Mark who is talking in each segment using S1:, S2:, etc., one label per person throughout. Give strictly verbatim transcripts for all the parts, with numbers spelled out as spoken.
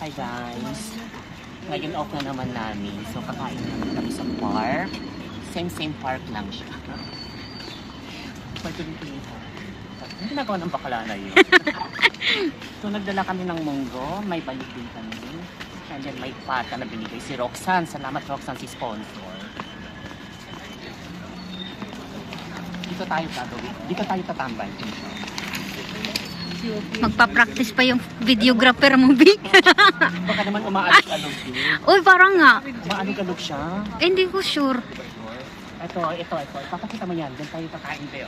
S1: Hi guys. Ngayon off na naman namin. So kakain naman kami sa park. Same same park lang siya. Pwede rin pinito. Ang ginagawa ng bakla na yun. So nagdala kami ng munggo. May balik din kami. And then may pata na binigay si Roxanne. Salamat Roxanne si sponsor. Dito tayo gagawin. Dito tayo tatambay.
S2: Magpa-practice pa yung videographer mo, Vic.
S1: Baka naman umaalog-alog din.
S2: Uy, parang nga.
S1: Umaalog-alog siya.
S2: Eh, hindi ko sure.
S1: Ito, ito, ito. Papakita mo yan. Diyan tayo kakain tayo.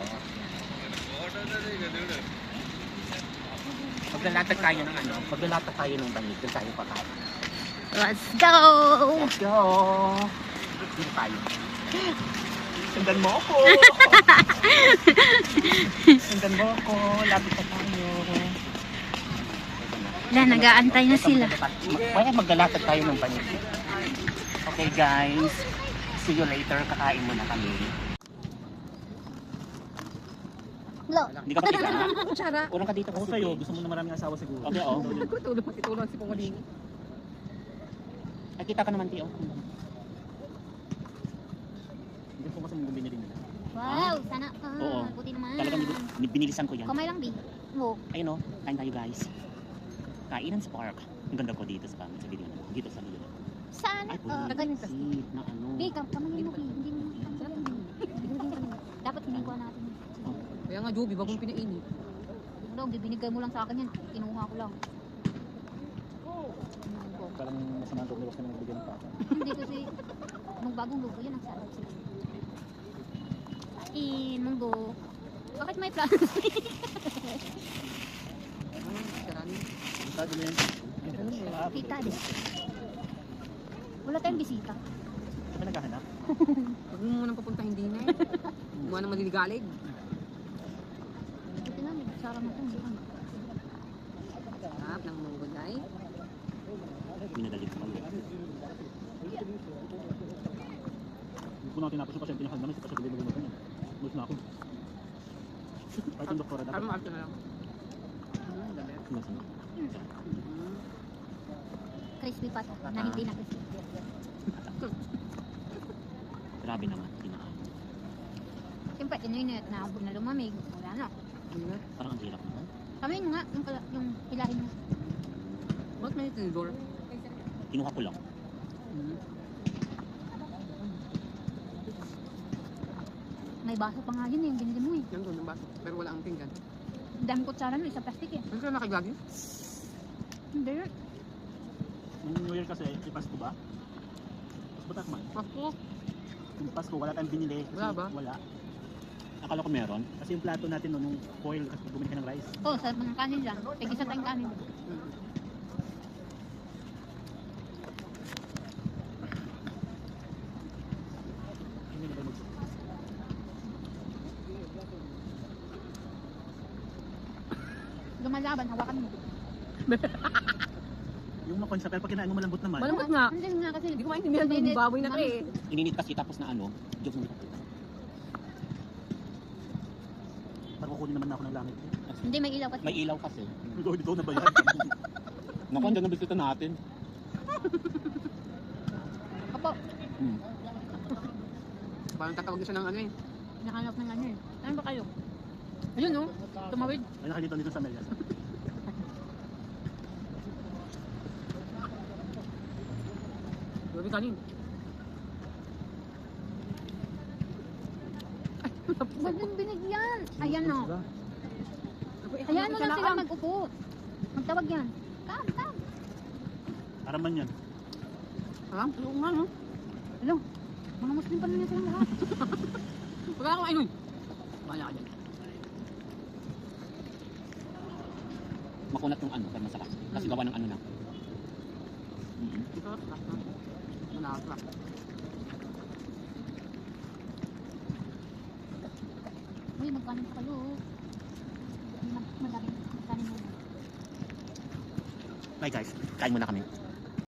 S1: Paglalatag tayo ng ano, paglalatag tayo ng banig, diyan tayo kakain.
S2: Let's go!
S1: Let's go! Dito tayo. Sundan mo ako! Sundan mo ako. Lapit na tayo.
S2: Wala, nag-aantay na sila.
S1: Kaya maglalatag tayo ng banig. Okay guys. See you later. Kakain muna kami.
S2: Hello.
S1: Hindi ka kapita.
S3: Kutsara.
S1: Unang ka dito
S4: Ako
S1: kasi.
S4: sa'yo, gusto mo na maraming asawa siguro.
S1: Okay, oh.
S3: Tulog matitulog si Pongoling.
S1: Nakita ka naman, Tio.
S4: Hindi ko kasi bumili din nila.
S2: Wow, sana. Ah,
S1: Oo.
S2: buti naman.
S1: Talagang bin- binilisan ko yan.
S2: Kamay lang, Vic. Oo.
S1: Ayun o, kain tayo guys. Kainan sa park. Ang ganda ko dito sa pangit sa video na. Dito sa video.
S2: Saan?
S1: Ay,
S2: Ah,
S1: bulisit na ano.
S2: Vic, kamay mo, Vic. Hindi mo. Dapat hinikuha natin.
S3: Kaya nga, Joby, bagong pinainit.
S2: Dog, binigay mo lang sa akin yan. Kinuha ko lang.
S4: Parang masama ang loob ni Ross na nagbigyan ng pata.
S2: Hindi kasi, nung bagong logo yan, ang sarap. Kain, munggo. Bakit may plastic?
S3: Karani.
S4: Sabi niya yun.
S2: Kita din. Wala tayong bisita.
S4: Saan ka naghahanap?
S3: Huwag mo munang papunta hindi na eh. Mukha nang maliligalig.
S2: Buti na, may sarap na ito.
S3: Sarap ng munggo na eh.
S1: Minadali ko kayo.
S4: Hindi ko na tinapos yung pasyente niya hanggang kasi pasyente mo gumawa. Mulis na ako. Kahit yung doktora dapat.
S3: Parang maarte na lang. Hmm, dami.
S1: Sumasin.
S3: Hmm.
S2: Crispy pa to, na hindi na crispy.
S1: Grabe naman. Tinaan.
S2: Siyempre, inuinit na na lumamig. Wala na.
S3: Ano na?
S1: Parang ang hirap naman.
S2: Kami nga, yung, kala- yung hilahin mo.
S3: Bakit may tinidor?
S1: Kinuha ko lang.
S3: Hmm.
S2: May baso pa nga yun eh, yung binili mo eh.
S3: Yan doon ang baso. Pero wala ang pinggan.
S2: Ang dami kutsara nun, isa plastic eh.
S3: Ano ka nakiglagi?
S2: Hindi.
S4: Yung New Year kasi, yung Pasko ba? Pasko ba takman?
S3: Pasko.
S4: Yung Pasko, wala tayong binili. Kasi
S3: Wala ba?
S4: Wala.
S1: Akala ko meron.
S4: Kasi yung plato natin no, nung foil, kasi bumili ka ng rice.
S2: Oo, oh, sa mga kanin lang. Tig-isa tayong kanin.
S3: Hmm.
S4: Hindi na ba mag-
S2: Lumalaban, hawakan mo.
S4: Yung makonsa, pero pag kinain mo malambot naman.
S3: Malambot nga.
S2: Hindi nga kasi.
S3: Hindi ko maintindihan
S2: Init.
S3: yung baboy na to eh.
S1: Ininit kasi tapos na ano. Diyos mo.
S4: Parang kukunin naman na ako ng langit.
S2: Hindi, may ilaw kasi.
S1: May ilaw kasi.
S4: Ikaw, dito na ba yan?
S1: Naku, andyan ang bisita natin.
S2: Opo,
S1: Hmm.
S3: Parang tatawag siya ng ano eh.
S2: nakanap ng ano eh. Ano ba kayo? Ayun no, tumawid.
S4: Ay, nakalito dito sa Melias.
S3: Joby kanin.
S2: Ba't yung binigyan? Ayan no. Ayan mo lang sila mag-upo. Magtawag yan. Kam, kam.
S4: Para man yan.
S3: Alam? Oo nga no.
S2: Hello, mga Muslim pa naman silang lahat.
S3: Wala akong ayun. Bahala ka dyan.
S1: Makunat yung ano, pero masarap. Kasi gawa ng ano na. Mm-hmm.
S3: Ito, sarap na. Malasa.
S2: Uy, magkanin pa kayo. Madami, magkanin mo.
S1: Bye guys, kain muna kami.